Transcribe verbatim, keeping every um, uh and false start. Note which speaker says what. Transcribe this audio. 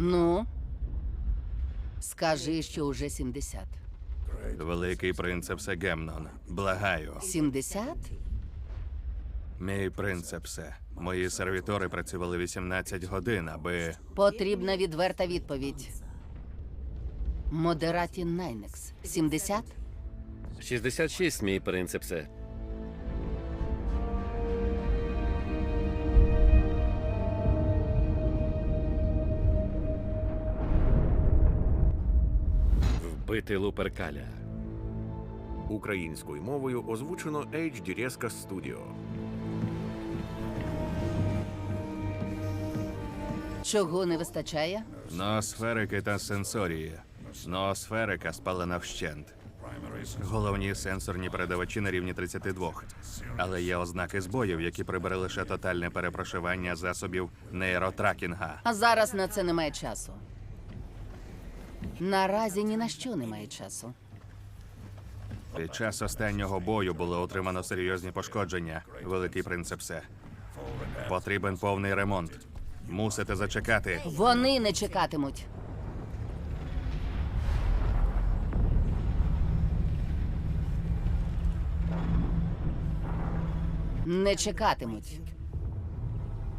Speaker 1: Ну, скажи, що уже сімдесят.
Speaker 2: Великий принцепсе Гемнон, благаю.
Speaker 1: сімдесят?
Speaker 2: Мій принцепсе, мої сервітори працювали вісімнадцять годин, аби...
Speaker 1: Потрібна відверта відповідь. Модераті Найнекс. сімдесят?
Speaker 3: шістдесят шість, мій принцепсе. Вбити Луперкаля.
Speaker 4: Українською мовою озвучено Ейч Ді Резка Studio.
Speaker 1: Чого не вистачає?
Speaker 2: Ноосферики та сенсорії. Ноосферика спалена вщент. Головні сенсорні передавачі на рівні тридцять два. Але є ознаки збоїв, які прибере лише тотальне перепрошивання засобів нейротракінга.
Speaker 1: А зараз на це немає часу. Наразі ні на що немає часу.
Speaker 2: Під час останнього бою було отримано серйозні пошкодження, великий принцепсе. Потрібен повний ремонт. Мусите зачекати.
Speaker 1: Вони не чекатимуть. Не чекатимуть.